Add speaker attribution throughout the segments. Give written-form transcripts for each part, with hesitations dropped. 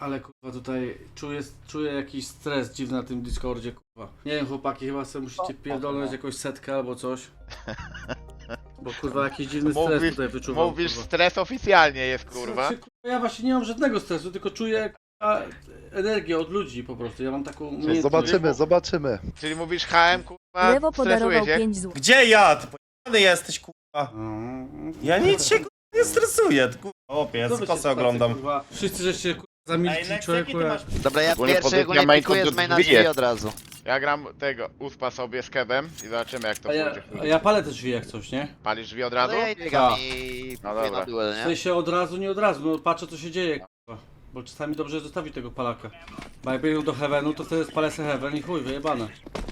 Speaker 1: Ale kurwa tutaj czuję jakiś stres dziwny na tym Discordzie, kurwa. Nie wiem chłopaki, chyba sobie musicie pierdolnąć jakąś setkę albo coś. Bo kurwa jakiś dziwny stres tutaj wyczuwam.
Speaker 2: Mówisz,
Speaker 1: kurwa.
Speaker 2: stres oficjalnie jest, kurwa.
Speaker 1: Znaczy, kurwa, ja właśnie nie mam żadnego stresu, tylko czuję kurwa, energię od ludzi po prostu. Ja mam taką umiejętność.
Speaker 3: Zobaczymy.
Speaker 2: Czyli mówisz HM, kurwa,
Speaker 4: Lewo
Speaker 2: stresuje
Speaker 4: podarował
Speaker 2: się?
Speaker 4: 5 zł.
Speaker 5: Gdzie ja? Ty pojebany jesteś, kurwa. Ja nic się kurwa, nie stresuję, kurwa. Opie, ja
Speaker 1: Co wy
Speaker 5: z
Speaker 1: się
Speaker 5: kosy oglądam.
Speaker 1: kurwa, wszyscy żeście kurwa zamilkli człowieku.
Speaker 6: Dobra, ja
Speaker 2: Ogólnie
Speaker 6: pierwszy
Speaker 2: pozycja
Speaker 6: ogólnie
Speaker 2: main
Speaker 6: pikuję
Speaker 2: to
Speaker 6: z maina
Speaker 2: drzwi
Speaker 6: drzwi od razu.
Speaker 2: Ja gram tego, uspa sobie z kebem i zobaczymy jak to pójdzie.
Speaker 1: A ja palę też drzwi jak coś, nie?
Speaker 2: Palisz drzwi od
Speaker 6: No
Speaker 2: razu?
Speaker 6: ja i biegam
Speaker 1: Tak.
Speaker 6: i
Speaker 2: No
Speaker 6: pikuję
Speaker 2: dobra.
Speaker 6: na duel,
Speaker 1: W
Speaker 6: nie?
Speaker 1: sensie od razu, nie od razu, no patrzę co się dzieje kurwa. Bo czasami dobrze jest zostawić tego palaka. Bo jak biegną do heavenu, to wtedy spalę se heaven i chuj, wyjebane.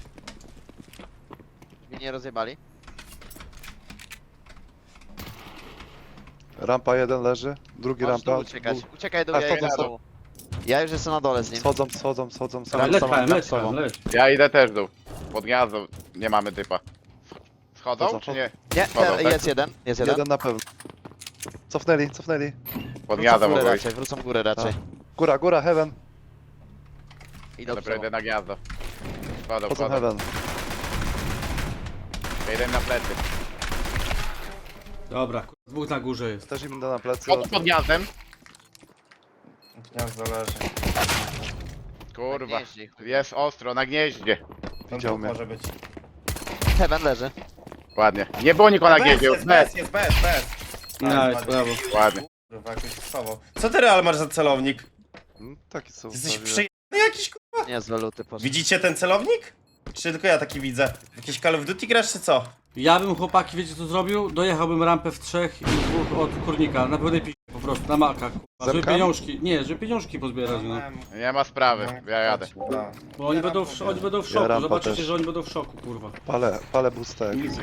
Speaker 6: Drzwi nie rozjebali.
Speaker 3: Rampa jeden leży, drugi
Speaker 6: Możesz tu
Speaker 3: rampa.
Speaker 6: uciekać. Uciekaj do
Speaker 3: A,
Speaker 6: ja
Speaker 3: wchodzą,
Speaker 6: idę z dołu. Ja już jestem na dole z nim.
Speaker 3: Schodzą.
Speaker 1: Leć KM, leć.
Speaker 2: Ja idę też dół. Pod gniazdo nie mamy typa. Schodzą
Speaker 3: Chodzą,
Speaker 2: czy nie?
Speaker 6: Nie,
Speaker 2: Schodzą, tak?
Speaker 6: jest jeden. Jest jeden.
Speaker 3: Jeden na pewno. Cofnęli.
Speaker 2: Pod gniazdo
Speaker 6: Wrócą górę
Speaker 2: mogą iść.
Speaker 6: raczej, wrócą górę raczej.
Speaker 3: Góra, heaven.
Speaker 6: Idą
Speaker 2: Dobra, idę
Speaker 6: do
Speaker 2: na gniazdo. Wchodzą,
Speaker 3: Chodzą
Speaker 2: wchodzą.
Speaker 3: heaven.
Speaker 2: Idę na plecy.
Speaker 1: Dobra, kurwa, dwóch na górze jest.
Speaker 3: Też im idę na plecy.
Speaker 2: Chodzą pod gniazdem.
Speaker 5: Gniazdo leży.
Speaker 2: Kurwa.
Speaker 6: gnieździe, chuj.
Speaker 2: Jest ostro, na gnieździe.
Speaker 3: Widział mnie.
Speaker 5: Może być.
Speaker 6: Heaven leży.
Speaker 2: Ładnie. Nie było nikogo na gnieździe.
Speaker 5: Jest bez.
Speaker 1: Nice, brawo.
Speaker 2: Ładnie.
Speaker 5: Kurwa, jakoś stosował. Co ty Real masz za celownik?
Speaker 3: Taki są.
Speaker 5: Jesteś
Speaker 3: prawie.
Speaker 5: przyjemny jakiś, kurwa?
Speaker 6: Nie, z waluty poszedł.
Speaker 5: Widzicie ten celownik? Czy tylko ja taki widzę? Jakieś Call of Duty grasz, czy co?
Speaker 1: Ja bym chłopaki, wiecie co zrobił? Dojechałbym rampę w trzech i dwóch od kurnika. Na pełnej pisie po prostu, na makach. kurwa. Żeby
Speaker 3: Zerkam?
Speaker 1: pieniążki, nie, żeby pieniążki pozbierać, no.
Speaker 2: Nie ma sprawy. Ja jadę.
Speaker 5: No.
Speaker 1: Bo oni będą w szoku,
Speaker 3: rampa
Speaker 1: zobaczycie,
Speaker 3: też.
Speaker 1: że oni będą w szoku, kurwa.
Speaker 3: Palę boosta jak widzę.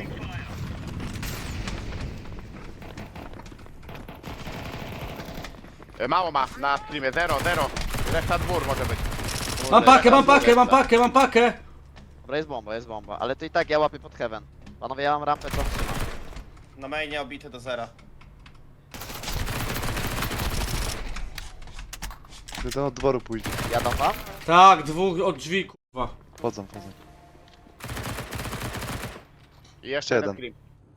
Speaker 2: Mało ma na streamie. 0. Reszta dwór może być. Kurde,
Speaker 1: Mam pakę,
Speaker 2: reszta
Speaker 1: mam
Speaker 2: dwór,
Speaker 1: pakę,
Speaker 2: reszta.
Speaker 1: mam pakę!
Speaker 6: Dobra, jest bomba. Ale to i tak ja łapię pod heaven. Panowie, ja mam rampę, co trzymam.
Speaker 5: Na mainie obity do zera.
Speaker 3: Jeden od dworu pójdzie.
Speaker 6: Jadą wam?
Speaker 1: Tak, dwóch od drzwi, kurwa.
Speaker 3: Wchodzą.
Speaker 2: I jeszcze jeden
Speaker 3: jeden.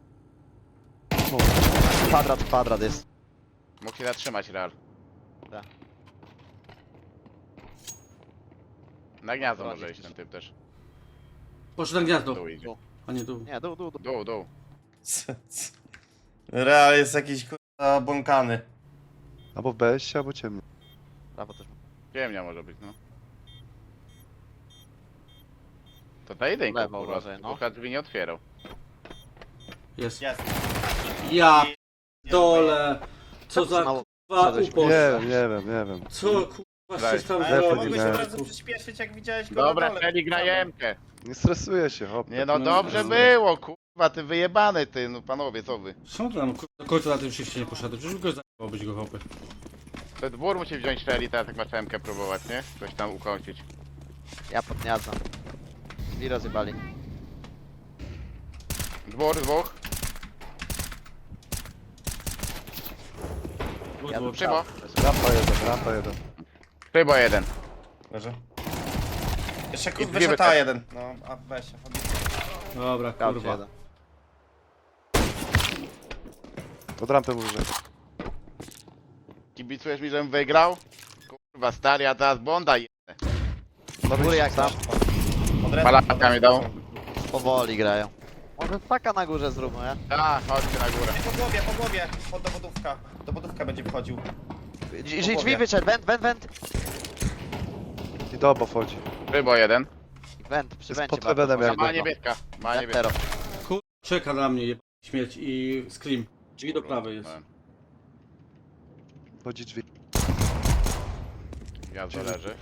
Speaker 2: scream.
Speaker 6: Kwadrat jest.
Speaker 2: Mógł się zatrzymać Real.
Speaker 6: Tak.
Speaker 2: Na gniazdo może iść ten typ też.
Speaker 1: Poszedł na gniazdo,
Speaker 2: Dół idzie.
Speaker 1: a nie dół.
Speaker 6: Nie, dół.
Speaker 2: Dół.
Speaker 5: Real jest jakiś, kurwa, błąkany.
Speaker 3: Albo w BS, albo ciemno.
Speaker 6: Prawo też.
Speaker 2: Ciemnia może być, no. To ta jedynka,
Speaker 6: Lewo
Speaker 2: kurwa.
Speaker 6: uważaj, no.
Speaker 2: Kurwa drzwi nie otwierał.
Speaker 1: Jest.
Speaker 5: Jest.
Speaker 1: Ja dole. Co za
Speaker 6: Znowu
Speaker 1: kurwa
Speaker 6: wszedłeś.
Speaker 1: upos.
Speaker 3: Nie wiem.
Speaker 1: Co kurwa się tam
Speaker 5: Ale
Speaker 3: Lewo
Speaker 5: mogłeś
Speaker 3: nie
Speaker 5: od
Speaker 3: miałem.
Speaker 5: razu przyspieszyć, jak widziałeś go
Speaker 2: Dobra,
Speaker 5: na dole.
Speaker 2: Feli gra jemkę.
Speaker 3: Nie stresuję się, hop.
Speaker 2: Nie no,
Speaker 1: No,
Speaker 2: dobrze
Speaker 1: no.
Speaker 2: było, kurwa, ty wyjebany ty, no panowie, co wy?
Speaker 1: Czemu ty tam kurwa, do końca na tym shifcie nie poszedł? Przecież go zajebałbyś go hopy.
Speaker 2: Ten dwór musi wziąć Feli, teraz jak masz jemkę próbować, nie? Coś tam ukończyć.
Speaker 6: Ja pod gniazdem. Drzwi rozjebali.
Speaker 2: Dwóch.
Speaker 6: Ja bym
Speaker 2: Przybo.
Speaker 3: Rampa jeden.
Speaker 2: Przybo jeden.
Speaker 5: Leży. Jeszcze
Speaker 2: I
Speaker 5: kurwa
Speaker 2: dwie
Speaker 5: wyszedł
Speaker 2: wytek.
Speaker 5: A1. No, a weź się.
Speaker 1: Dobra,
Speaker 6: Kurwa.
Speaker 1: kurwa.
Speaker 6: Jeden.
Speaker 3: Od rampy mówię.
Speaker 2: Kibicujesz mi, żebym wygrał? Kurwa, stary, a teraz Bonda je...
Speaker 6: Góry jak tam?
Speaker 2: Palaka mi dał.
Speaker 6: Powoli grają. Może taka na górze zróbmy, nie?
Speaker 2: Tak, chodźcie na górę.
Speaker 5: Po głowie, pod dowodówka. Dowodówka będzie wchodził.
Speaker 6: Drzwi wyszedł, went.
Speaker 3: I do oba wchodzi.
Speaker 2: Przybo jeden.
Speaker 6: Went, przy
Speaker 3: Jest
Speaker 6: wencie
Speaker 3: pod heavenem
Speaker 6: bardzo.
Speaker 3: jakby.
Speaker 2: Ma niebieska. Ma niebieska.
Speaker 6: Zero.
Speaker 1: Kurwa, czeka na mnie jebany śmierć i scream. Drzwi do prawej jest.
Speaker 3: Wchodzi drzwi.
Speaker 2: Gniazdo leży.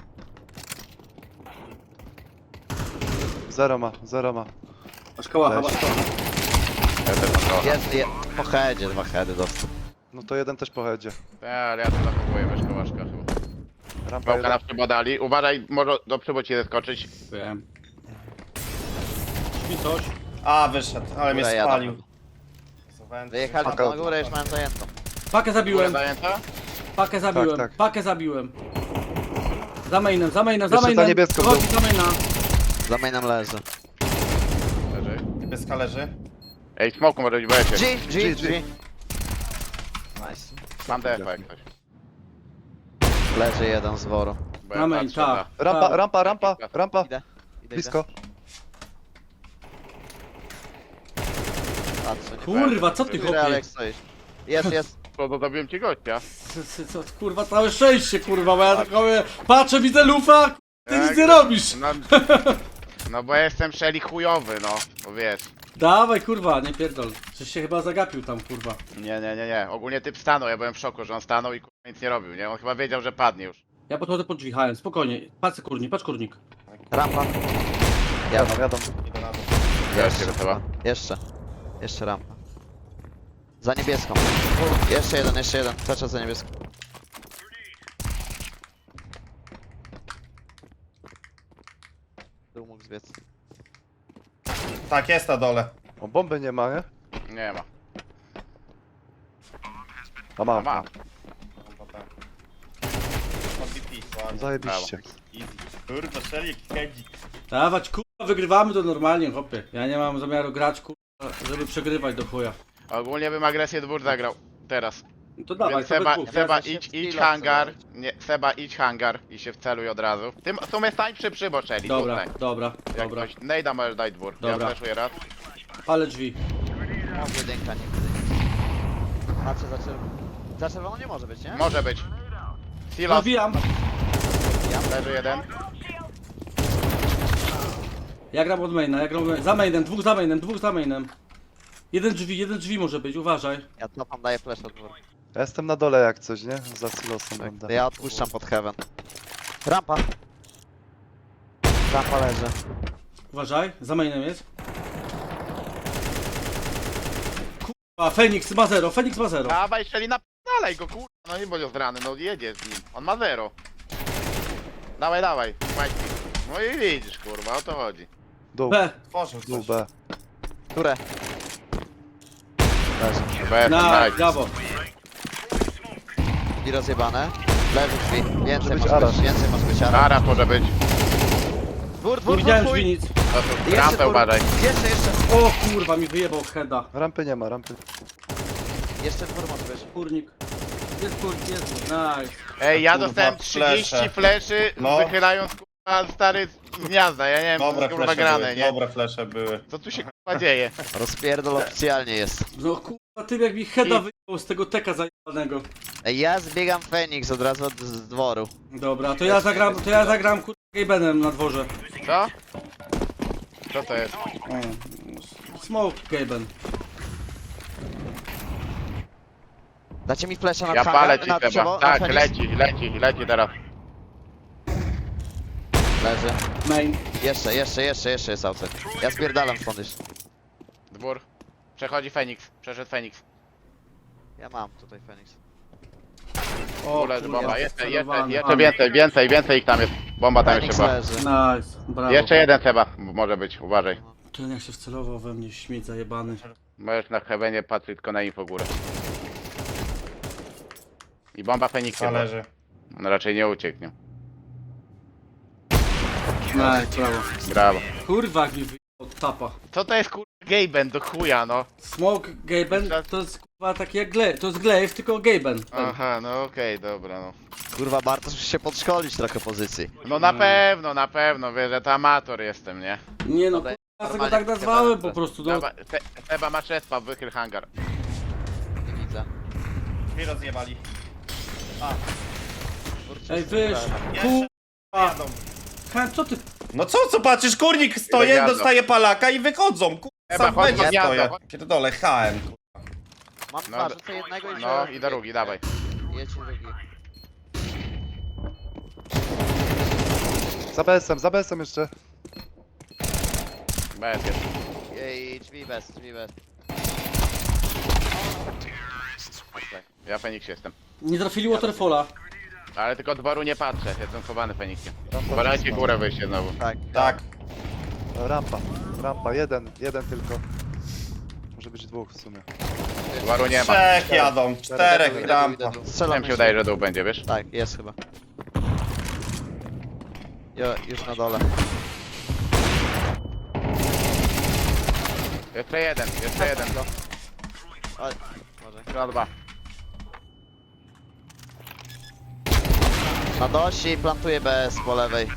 Speaker 3: Zero ma.
Speaker 1: Masz kałacha,
Speaker 3: Weź.
Speaker 1: masz kałacha.
Speaker 2: Ja też mam trochę.
Speaker 6: Jest, po headzie, 2 heady dostał.
Speaker 3: No to jeden też po headzie.
Speaker 2: Ale ja to zachowuję bez kołaszka chyba.
Speaker 3: Rampa
Speaker 2: Pałka na
Speaker 3: jeden.
Speaker 2: przybo dali. Uważaj, może do przybo ci zeskoczyć.
Speaker 1: Wiem. Drzwi coś.
Speaker 5: A, wyszedł, ale mnie
Speaker 6: Góra
Speaker 5: spalił.
Speaker 6: Wyjechali
Speaker 3: Paka.
Speaker 6: na górę, już mają zajętą.
Speaker 1: Pakę
Speaker 2: Góra
Speaker 1: zabiłem,
Speaker 2: zajęta?
Speaker 1: pakę zabiłem,
Speaker 3: tak.
Speaker 1: pakę zabiłem. Za mainem, za mainem, za
Speaker 3: Jeszcze
Speaker 1: mainem.
Speaker 3: za niebieską był.
Speaker 1: Chodzi za maina.
Speaker 6: Za mainem leży.
Speaker 2: Leży.
Speaker 5: Niebieska leży.
Speaker 2: Ej, smoku może być BS.
Speaker 6: G. Nice.
Speaker 2: Mam DF jak ktoś.
Speaker 6: Leży jeden z woru.
Speaker 2: Bo
Speaker 1: Na
Speaker 2: ja
Speaker 1: main,
Speaker 2: patrzę na-
Speaker 1: tak.
Speaker 3: Rampa.
Speaker 6: Idę.
Speaker 3: Blisko.
Speaker 6: Patrzę, nie
Speaker 1: Kurwa, co ty
Speaker 6: Który
Speaker 1: chłopie?
Speaker 6: Alex stoisz? Jest.
Speaker 2: To zabiłem ci gościa.
Speaker 1: Co, kurwa, całe szczęście, kurwa, bo ja tylko mówię, patrzę, widzę lufa, ty
Speaker 2: Jak?
Speaker 1: nic nie robisz.
Speaker 2: No, no bo jestem szeli chujowy, no. Bo wiesz.
Speaker 1: Dawaj, kurwa, nie pierdol. Żeś się chyba zagapił tam, kurwa.
Speaker 2: Nie. Ogólnie typ stanął, ja byłem w szoku, że on stanął i kurwa nic nie robił, nie? On chyba wiedział, że padnie już.
Speaker 1: Ja podchodzę pod drzwi, HM, spokojnie. Patrz kurnik.
Speaker 6: Rampa.
Speaker 3: Jadą.
Speaker 5: Idę na dół.
Speaker 2: Jeszcze chyba.
Speaker 6: Jeszcze rampa. Za niebieską. Jeszcze jeden. Cały czas za niebieską. Tu mógł zbiec.
Speaker 5: Tak, jest na dole.
Speaker 3: O, bomby nie ma, nie?
Speaker 2: Nie ma.
Speaker 3: A mam.
Speaker 2: Ma.
Speaker 5: Podbity, ładnie.
Speaker 3: Zajebiście.
Speaker 5: Easy. Kurwa, Shelly, hedzik.
Speaker 1: Dawać, kurwa, wygrywamy to normalnie, chłopie. Ja nie mam zamiaru grać, kurwa, żeby przegrywać do chuja.
Speaker 2: Ogólnie bym agresję dwór zagrał. Teraz.
Speaker 1: No to dawaj,
Speaker 2: Więc
Speaker 1: to we
Speaker 2: Seba,
Speaker 1: dwóch.
Speaker 2: Seba
Speaker 6: Ja się
Speaker 2: idź
Speaker 6: skilla
Speaker 2: hangar.
Speaker 6: chcę
Speaker 2: Nie, Seba idź hangar i się wceluj od razu. Tym w sumie stań przy przyboczeli.
Speaker 1: Dobra,
Speaker 2: tutaj.
Speaker 1: dobra,
Speaker 2: Jak
Speaker 1: dobra.
Speaker 2: ktoś Nejda możesz dać dwór.
Speaker 1: Dobra.
Speaker 2: Ja fleszuję raz.
Speaker 1: Palę drzwi.
Speaker 6: No, jedynka, nie. Patrzę za czerwoną. Za czerwoną nie może być, nie?
Speaker 2: Może być. Silos.
Speaker 1: Zabijam.
Speaker 2: Leży jeden.
Speaker 1: Ja gram od maina, za mainem, dwóch za mainem. Jeden drzwi może być, uważaj.
Speaker 6: Ja cofam, daję flash od dwór.
Speaker 3: Ja jestem na dole jak coś, nie? Za silosem będę.
Speaker 6: Ja odpuszczam pod heaven. Rampa. Rampa leży.
Speaker 1: Uważaj, za mainem jest. Kurwa, Feniks ma zero.
Speaker 2: Dawaj, Szeli, napalaj go, kurwa. No nie bądź zrany, no jedziesz z nim. On ma zero. Dawaj. Majki. No i widzisz, kurwa, o to chodzi.
Speaker 3: Dół,
Speaker 1: B.
Speaker 5: Tworzył
Speaker 3: dół
Speaker 5: coś.
Speaker 3: B.
Speaker 6: Które? Leży.
Speaker 2: Bez,
Speaker 1: Na,
Speaker 2: Majki.
Speaker 1: brawo.
Speaker 6: I rozjebane. Leży drzwi. Więcej
Speaker 3: być
Speaker 6: może
Speaker 3: Aras.
Speaker 6: być, ara.
Speaker 2: Naraz może być.
Speaker 6: Dwór,
Speaker 1: Nie widziałem
Speaker 6: chuj.
Speaker 1: drzwi nic.
Speaker 2: To tu
Speaker 6: Jeszcze
Speaker 2: rampę
Speaker 6: dwór.
Speaker 2: uważaj.
Speaker 6: Jeszcze.
Speaker 1: O kurwa, mi wyjebał heada.
Speaker 3: Rampy nie ma, rampy.
Speaker 6: Jeszcze dwór może być.
Speaker 1: Kurnik. Jest kurnik, jest. Nice.
Speaker 2: Ej, ja
Speaker 5: Kurwa,
Speaker 2: dostałem 30
Speaker 5: flesze.
Speaker 2: fleszy,
Speaker 5: No.
Speaker 2: wychylając kurwa stary z gniazda. Ja nie wiem, co
Speaker 5: Dobre
Speaker 2: jest kurwa
Speaker 5: flesze
Speaker 2: grane,
Speaker 5: były,
Speaker 2: nie?
Speaker 5: dobre flesze były.
Speaker 2: Co tu się kurwa dzieje?
Speaker 6: Rozpierdol oficjalnie jest.
Speaker 1: No kurwa, ty jak mi heada wyjebał z tego teka zajebanego.
Speaker 6: Ej, ja zbiegam Feniks od razu z dworu.
Speaker 1: Dobra, to ja zagram kurwa Gabenem na dworze.
Speaker 2: Co? Co to jest?
Speaker 1: O, smoke Gaben.
Speaker 6: Dacie mi flesza na
Speaker 2: Ja
Speaker 6: hangar,
Speaker 2: palę ci
Speaker 6: na
Speaker 2: chyba.
Speaker 6: drzewo,
Speaker 2: Tak,
Speaker 6: na Feniks?
Speaker 2: leci teraz.
Speaker 6: Leży.
Speaker 1: Main.
Speaker 6: Jeszcze jest outside. Ja spierdalam stąd już.
Speaker 2: Dwór. Przechodzi Feniks. Przeszedł Feniks.
Speaker 6: Ja mam tutaj Feniks.
Speaker 1: O,
Speaker 2: Leży
Speaker 1: kurwa,
Speaker 2: bomba. Jeszcze
Speaker 1: celowany.
Speaker 2: więcej ich tam jest. Bomba tam jeszcze
Speaker 6: Feniks
Speaker 2: była.
Speaker 6: leży.
Speaker 1: Nice, brawo.
Speaker 2: Jeszcze jeden chyba. Może być, uważaj.
Speaker 1: Ten jak się wcelował we mnie, śmieć zajebany.
Speaker 2: Możesz na heavenie patrzeć tylko na info górę. I bomba Feniksa.
Speaker 5: Zależy.
Speaker 2: On raczej nie ucieknie.
Speaker 1: Nice, brawo.
Speaker 2: Brawo.
Speaker 1: Kurwa, jak mi wyjebał od tapa.
Speaker 2: Co to jest kurwa Gaben do chuja, no?
Speaker 1: Smoke Gaben to jest kurwa taki jak Glaive, to jest Glaive, tylko Gaben.
Speaker 2: Aha, no okej, dobra, no.
Speaker 6: Kurwa, Bartosz musi się podszkolić trochę pozycji.
Speaker 2: No na pewno, wiesz, że to amator jestem, nie?
Speaker 1: Nie no,
Speaker 6: Dobra,
Speaker 1: kurwa, ja tego
Speaker 6: normalnie
Speaker 1: tak nazwałem
Speaker 6: Gaben.
Speaker 1: po prostu, no.
Speaker 2: Dobra, Seba masz respa, wychyl hangar.
Speaker 6: Nie widzę.
Speaker 5: Drzwi rozjebali.
Speaker 1: Ej, wyż,
Speaker 5: Jeszcze
Speaker 1: kurwa.
Speaker 5: jadą.
Speaker 1: Hen, co ty?
Speaker 5: No co patrzysz, kurnik stoję,
Speaker 2: jadą.
Speaker 5: dostaje palaka i wychodzą, kurwa,
Speaker 2: Chyba
Speaker 5: sam
Speaker 2: chodź
Speaker 5: będzie
Speaker 2: pod gniazdo,
Speaker 5: stoję.
Speaker 2: chodź.
Speaker 5: Pierdolę, HM, kurwa.
Speaker 6: Mam
Speaker 2: No,
Speaker 6: dwa, rzucę jednego i
Speaker 2: No i drugi, dawaj.
Speaker 6: Jedź drugi.
Speaker 3: Za BS-em jeszcze.
Speaker 2: Bez jest.
Speaker 6: Ej, drzwi bez.
Speaker 2: Ja Feniks jestem.
Speaker 1: Nie trafili Waterfalla.
Speaker 2: Ale tylko dworu nie patrzę, jestem chowany Feniksem.
Speaker 3: Rampa
Speaker 2: Uważajcie
Speaker 3: blisko.
Speaker 2: górę wyjście znowu.
Speaker 6: Tak.
Speaker 5: Tak.
Speaker 3: Rampa, jeden tylko. Może być dwóch w sumie.
Speaker 2: Dworu nie ma.
Speaker 5: Trzech jadą, czterech rampa.
Speaker 6: Strzelam
Speaker 2: Tam się wydaje, że dół będzie, wiesz?
Speaker 6: Tak, jest chyba. Już na dole.
Speaker 2: Jeszcze jeden.
Speaker 6: Oj, może.
Speaker 2: Chyba 2.
Speaker 6: Na dosi plantuje BS po lewej.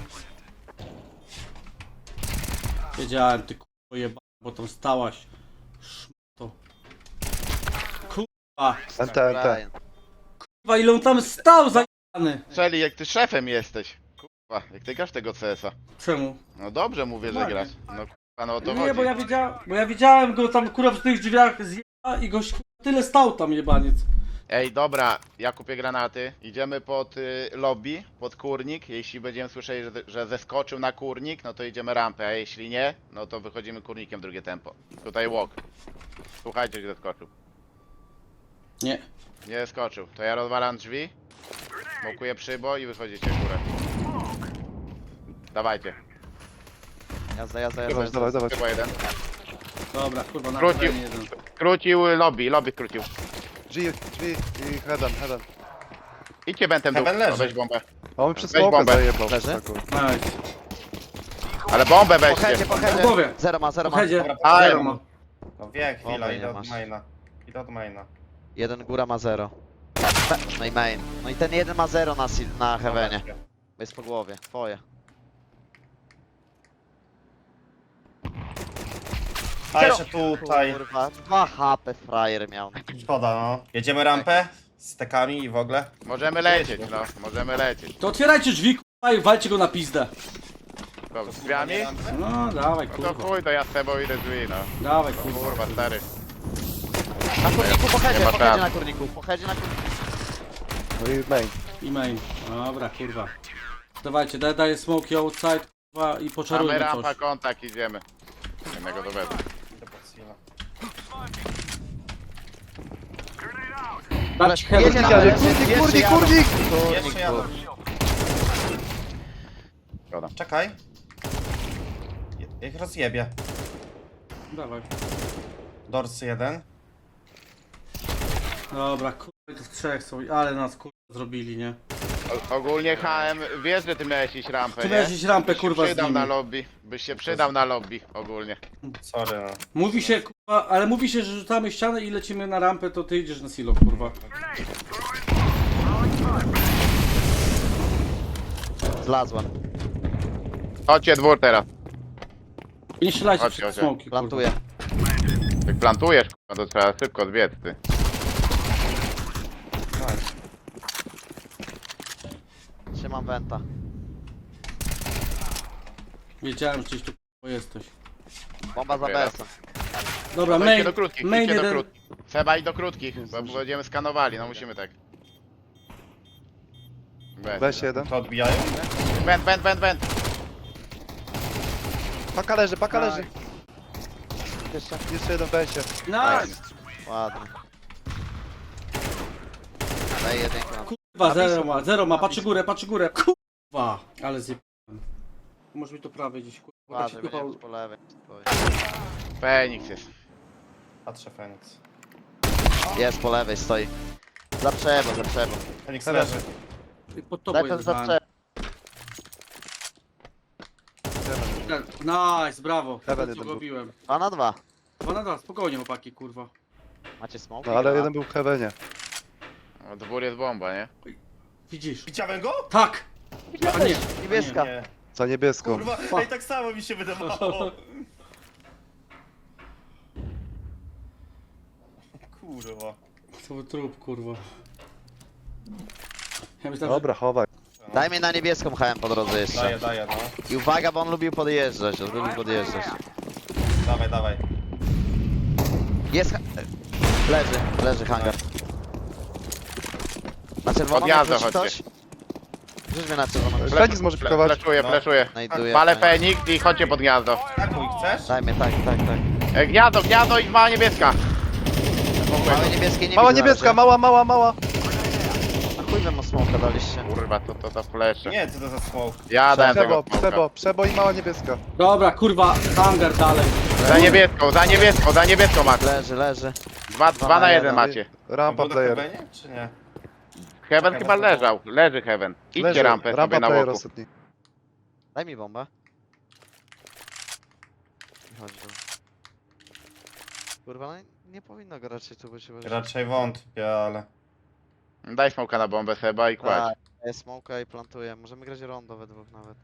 Speaker 1: Wiedziałem, ty kurwa jeba, bo tam stałaś. Szmato. Kurwa.
Speaker 3: NT.
Speaker 6: Brian.
Speaker 1: Kurwa, ile on tam stał zajebany.
Speaker 2: Strzeli, jak ty szefem jesteś. Kurwa, jak ty grasz tego CS-a.
Speaker 1: Czemu?
Speaker 2: No dobrze mówię, że
Speaker 1: Ładnie.
Speaker 2: grasz. No kurwa, no o to
Speaker 1: Nie,
Speaker 2: chodzi.
Speaker 1: bo ja widziałem go tam kurwa przy tych drzwiach zjeba i goś kurwa, tyle stał tam jebaniec.
Speaker 2: Ej, dobra, ja kupię granaty. Idziemy pod lobby, pod kurnik. Jeśli będziemy słyszeli, że zeskoczył na kurnik, no to idziemy rampę, a jeśli nie, no to wychodzimy kurnikiem w drugie tempo. Tutaj walk. Słuchajcie, gdzie zeskoczył.
Speaker 1: Nie.
Speaker 2: Nie zeskoczył. To ja rozwalam drzwi, smokuję przybo i wychodzicie w górę. Dawajcie.
Speaker 6: Jazda.
Speaker 3: Dawaj.
Speaker 2: Chyba jeden.
Speaker 1: Dobra, kurwa, na
Speaker 2: Wrócił.
Speaker 1: terenie jeden.
Speaker 2: Skrócił lobby skrócił.
Speaker 3: Drzwi i heaven.
Speaker 2: Idźcie bentem dół.
Speaker 5: Heaven leży.
Speaker 2: O, weź bombę.
Speaker 3: Mamy przez
Speaker 2: Weź
Speaker 3: smoka
Speaker 2: bombę.
Speaker 3: zajebał.
Speaker 6: Leży?
Speaker 3: taką.
Speaker 1: Nice.
Speaker 2: Ale bombę
Speaker 6: Po
Speaker 2: weźcie.
Speaker 6: headzie, po headzie.
Speaker 1: Na głowie.
Speaker 6: Zero ma.
Speaker 1: Po headzie.
Speaker 2: A,
Speaker 1: Zero ma.
Speaker 5: No wie, chwila,
Speaker 6: Bomby nie
Speaker 5: idę od
Speaker 6: masz.
Speaker 5: maina. Idę od maina.
Speaker 6: Jeden góra ma 0. No i main. No i ten jeden ma 0 na heavenie. Jest po głowie. Twoje.
Speaker 5: A jeszcze tutaj.
Speaker 6: Kurwa, 2 HP frajer miał.
Speaker 5: Szkoda, no. Jedziemy rampę z tekami i w ogóle.
Speaker 2: Możemy lecieć, no. Możemy lecieć.
Speaker 1: To otwierajcie drzwi kurwa i walcie go na pizdę.
Speaker 2: To z drzwiami?
Speaker 1: No, dawaj
Speaker 2: No to
Speaker 1: kurwa.
Speaker 2: chuj, to ja z tobą idę drzwi, no.
Speaker 1: Dawaj kurwa.
Speaker 2: Kurwa, stary.
Speaker 6: Na kurniku, po headzie,
Speaker 2: Nie ma
Speaker 6: po headzie
Speaker 2: szans.
Speaker 6: na kurniku. Po headzie na kurniku.
Speaker 3: No i main.
Speaker 1: I main. Dobra, kurwa. Dawajcie, daję smoki outside kurwa i
Speaker 2: Mamy
Speaker 1: poczarujmy
Speaker 2: rampa,
Speaker 1: coś.
Speaker 2: kontakt, idziemy. Jednego do wezmę.
Speaker 5: Idę pod Sila.
Speaker 1: Dać heaven.
Speaker 6: Jedzie na
Speaker 3: Jadę,
Speaker 6: heaven.
Speaker 3: kurnik!
Speaker 5: Jeszcze jadę.
Speaker 2: Szkoda.
Speaker 5: Czekaj. Ich rozjebie.
Speaker 1: Dawaj.
Speaker 5: Dorsy jeden.
Speaker 1: Dobra, kurwa, to w trzech są, ale nas kurwa zrobili, nie?
Speaker 2: Ogólnie HM, wiesz, że ty miałeś iść rampę,
Speaker 1: Ty
Speaker 2: nie?
Speaker 1: miałeś iść rampę,
Speaker 2: Byś się
Speaker 1: kurwa, z
Speaker 2: przydał
Speaker 1: nimi.
Speaker 2: na lobby. Byś się przydał na lobby, ogólnie.
Speaker 5: Sorry, no.
Speaker 1: Mówi się, kurwa, ale mówi się, że rzucamy ścianę i lecimy na rampę, to ty idziesz na silo, kurwa.
Speaker 6: Zlazłem.
Speaker 2: Chodźcie dwór teraz.
Speaker 1: I nie strzelajcie
Speaker 2: Chodźcie,
Speaker 1: przez
Speaker 2: chodźcie.
Speaker 1: smoki, kurwa.
Speaker 6: Plantuję.
Speaker 2: Jak plantujesz, kurwa, to trzeba szybko zbiec, ty.
Speaker 6: Trzymam wenta.
Speaker 1: Wiedziałem, że gdzieś tu kurwa jesteś.
Speaker 6: Bomba za
Speaker 2: Dobra.
Speaker 6: BS-em.
Speaker 1: Dobra,
Speaker 2: Idźcie
Speaker 1: main,
Speaker 2: do krótkich,
Speaker 1: main
Speaker 2: idźcie do
Speaker 1: jeden.
Speaker 2: krótkich. Trzeba iść do krótkich, bo będziemy skanowali, no musimy tak.
Speaker 3: Weź jeden.
Speaker 5: To odbijają?
Speaker 2: Wend.
Speaker 3: Paka leży.
Speaker 6: Jeszcze?
Speaker 3: Jeszcze jeden w besie.
Speaker 1: Nice!
Speaker 6: Ładnie. Daj jedynkę.
Speaker 1: Kurwa, zero ma, patrzy górę. Kurwa, ale zjebałem. Może mi to prawie gdzieś, kurwa.
Speaker 6: Ładnie,
Speaker 1: się
Speaker 6: będziemy
Speaker 1: kupał.
Speaker 6: po lewej.
Speaker 2: Feniks jest.
Speaker 5: Patrzę Feniks.
Speaker 6: Jest po lewej, stoi. Za przebo.
Speaker 5: Feniks leży.
Speaker 1: I pod tobą
Speaker 6: Daj ten
Speaker 1: jest
Speaker 6: za
Speaker 1: zbałem.
Speaker 6: przebo.
Speaker 1: Nice, brawo.
Speaker 3: Heaven
Speaker 1: Co
Speaker 3: jeden był.
Speaker 1: robiłem.
Speaker 6: 2 na 2.
Speaker 1: 2 na 2, spokojnie chłopaki, kurwa.
Speaker 6: Macie smoke?
Speaker 3: No ale jeden był w heavenie.
Speaker 2: No, dwór jest bomba, nie?
Speaker 1: Widzisz?
Speaker 5: Widziałem go?
Speaker 1: Tak! A nie,
Speaker 6: Niebieska.
Speaker 5: Nie.
Speaker 3: Za niebieską.
Speaker 5: Kurwa, ej, tak samo mi się wydawało. Kurwa.
Speaker 1: To był trup, kurwa. Ja myślałem,
Speaker 3: Dobra, chowaj.
Speaker 6: Daj mi na niebieską HM po drodze jeszcze.
Speaker 5: Daję, no.
Speaker 6: I uwaga, bo on lubił podjeżdżać.
Speaker 5: Dawaj.
Speaker 6: Jest leży hangar. Na czerwoną
Speaker 2: Podjazda
Speaker 6: wróci ktoś?
Speaker 2: chodźcie.
Speaker 6: Rzuć mnie na czerwoną.
Speaker 3: Feniks może pikować.
Speaker 2: Fleszuję.
Speaker 6: Znajduję.
Speaker 2: Palę Feniks i chodźcie pod gniazdo.
Speaker 5: Takuj, chcesz?
Speaker 6: Daj mnie, tak.
Speaker 2: Gniazdo i mała niebieska.
Speaker 6: Małe niebieskie nie
Speaker 3: Mała
Speaker 6: widzę na
Speaker 3: niebieska,
Speaker 6: razie.
Speaker 3: mała.
Speaker 6: Na chuj wam smoka daliście.
Speaker 2: Kurwa, to flesze.
Speaker 5: Nie, co to za smoke?
Speaker 2: Ja dałem tego
Speaker 3: Przebo i mała niebieska.
Speaker 1: dobra, kurwa, hangar dalej.
Speaker 2: Za niebieską macie.
Speaker 6: Leży.
Speaker 2: 2 na 1 macie.
Speaker 3: Rampa
Speaker 5: Był do
Speaker 3: player.
Speaker 5: Heavenie, czy nie?
Speaker 2: Heaven chyba leżał. Leży Heaven. Idźcie rampę sobie
Speaker 3: Rampa
Speaker 2: na
Speaker 3: player
Speaker 2: boku.
Speaker 3: ostatni.
Speaker 6: Daj mi bombę. I chodź tu. Kurwa, no nie powinno go raczej tu być.
Speaker 5: Raczej wątpię, ale...
Speaker 2: Daj smoka na bombę Seba i kładź.
Speaker 6: Tak, daję smoka i plantuję. Możemy grać rondo we dwóch nawet.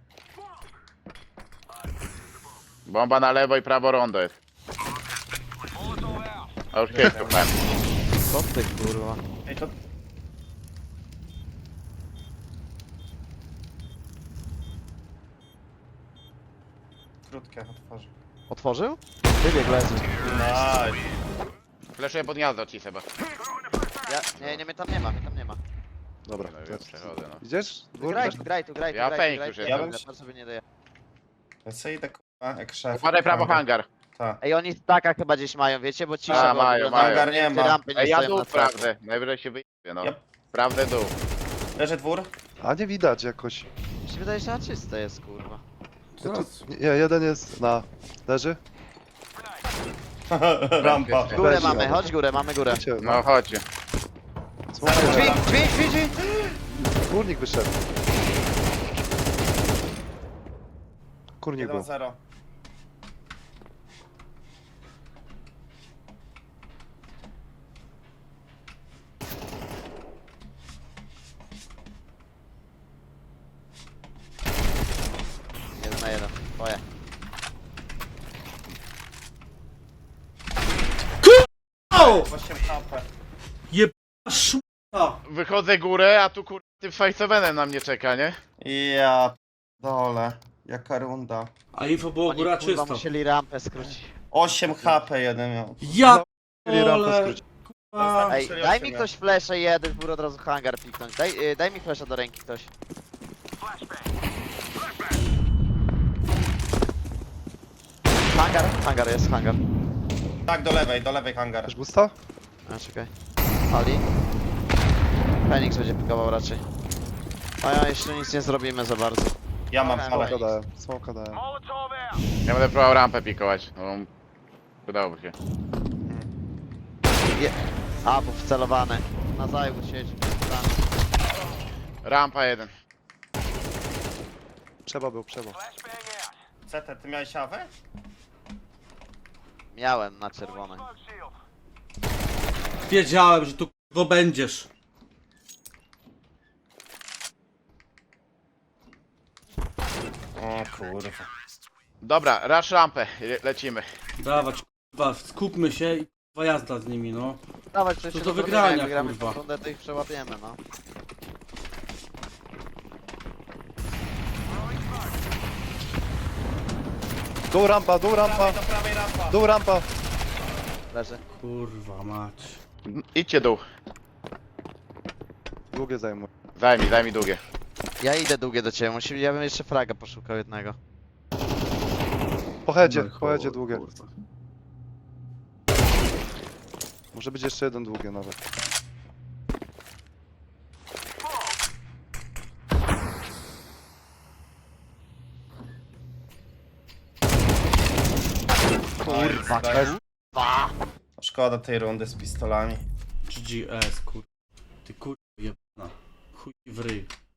Speaker 2: Bomba na lewo i prawo rondo jest. A już pięknie, plan.
Speaker 6: Co ty kurwa?
Speaker 5: Ej, to... Krótkie otworzę.
Speaker 6: Otworzył? Wybieg leży.
Speaker 5: Nice.
Speaker 2: Fleszuję pod gniazdo ci Seba.
Speaker 6: Nie, mnie tam nie ma, mnie tam nie ma.
Speaker 3: Dobra,
Speaker 2: No,
Speaker 3: to
Speaker 2: już
Speaker 3: jest...
Speaker 2: przechodzę, no.
Speaker 3: Idziesz? Dwór?
Speaker 6: Graj tu.
Speaker 2: Ja Feniks
Speaker 6: graj
Speaker 2: już
Speaker 6: tu.
Speaker 2: jestem.
Speaker 5: Ja bym-
Speaker 6: Bardzo sobie nie daje.
Speaker 5: Ja sobie idę kurwa jak szef.
Speaker 2: Układaj prawo hangar.
Speaker 5: Tak.
Speaker 6: Ej, oni staka chyba gdzieś mają, wiecie, bo cisza
Speaker 2: A,
Speaker 6: była
Speaker 2: mają,
Speaker 6: wyglądała,
Speaker 2: mają.
Speaker 5: Hangar nie
Speaker 6: te
Speaker 5: ma.
Speaker 6: rampy nie
Speaker 2: Ej, ja
Speaker 6: stoją
Speaker 2: dół
Speaker 6: na trasie.
Speaker 2: sprawdzę. Najwyżej się wyjdzie, no.
Speaker 5: Yep.
Speaker 2: Sprawdzę dół.
Speaker 5: Leży dwór.
Speaker 3: A nie widać jakoś.
Speaker 6: Mi się wydaje, że czyste jest, kurwa.
Speaker 1: Zaraz.
Speaker 3: Nie, jeden jest na... Leży?
Speaker 5: Rampa.
Speaker 3: Weź,
Speaker 6: Górę
Speaker 3: ja.
Speaker 6: mamy, chodź górę, mamy górę.
Speaker 3: Wiecie,
Speaker 2: No chodźcie.
Speaker 6: Dźwięk!
Speaker 3: Kurnik wyszedł. Kurnik był.
Speaker 5: 1-0.
Speaker 6: Jeden na jeden, twoje.
Speaker 1: O!
Speaker 5: 8 HP.
Speaker 1: Szmata!
Speaker 2: Wychodzę górę, a tu kur... tym faceovenem na mnie czeka, nie?
Speaker 5: Ja dole. Jaka runda.
Speaker 1: A info było
Speaker 6: Oni
Speaker 1: góra
Speaker 6: kurwa
Speaker 1: czysto.
Speaker 6: musieli rampę skrócić.
Speaker 5: 8 HP jeden miał.
Speaker 1: Ja
Speaker 3: Mieli rampę
Speaker 1: ole!
Speaker 3: skrócić.
Speaker 1: Kurwa.
Speaker 6: Ej, daj mi ktoś flesze jeden, gór od razu hangar piknąć. Daj mi flesza do ręki ktoś. Hangar jest, hangar.
Speaker 5: Tak, do lewej hangar.
Speaker 3: Masz busta?
Speaker 6: A, czekaj. Ali. Feniks będzie pikował raczej. A ja jeszcze nic nie zrobimy za bardzo.
Speaker 5: Ja mam
Speaker 6: Dobra,
Speaker 5: pałę.
Speaker 3: Smoka dałem, smoka dałem.
Speaker 2: Ja będę próbował rampę pikować. No, udałoby się.
Speaker 6: A, bo wcelowany. Na zajęł siedzi. Tam.
Speaker 2: Rampa jeden.
Speaker 3: Trzeba.
Speaker 5: CT, ty miałeś awę?
Speaker 6: Miałem na czerwonej.
Speaker 1: Wiedziałem, że tu go będziesz.
Speaker 5: O kurwa.
Speaker 2: Dobra, rush rampę. Lecimy.
Speaker 1: Dawać, kurwa, skupmy się i kurwa jazda z nimi, no.
Speaker 6: Dawać coś
Speaker 1: To
Speaker 6: się
Speaker 1: do
Speaker 6: zrobimy,
Speaker 1: wygrania,
Speaker 6: jak wygramy
Speaker 1: kurwa.
Speaker 6: tę rundę, to ich przełapiemy, no.
Speaker 3: Dół rampa,
Speaker 5: Do prawej rampa.
Speaker 3: dół rampa.
Speaker 6: Leży.
Speaker 1: Kurwa mać.
Speaker 2: Idźcie dół.
Speaker 3: Długie zajmuje.
Speaker 2: Zajmij długie.
Speaker 6: Ja idę długie do ciebie, ja bym jeszcze fraga poszukał jednego.
Speaker 3: Po headzie
Speaker 1: No,
Speaker 3: długie.
Speaker 1: kurwa.
Speaker 3: Może być jeszcze jeden długie nawet.
Speaker 5: Kurwa,
Speaker 6: Kurwa!
Speaker 5: Szkoda tej rundy z pistolami.
Speaker 1: GGS, kurwa. Ty kurwa jebana. Chuj w ryj.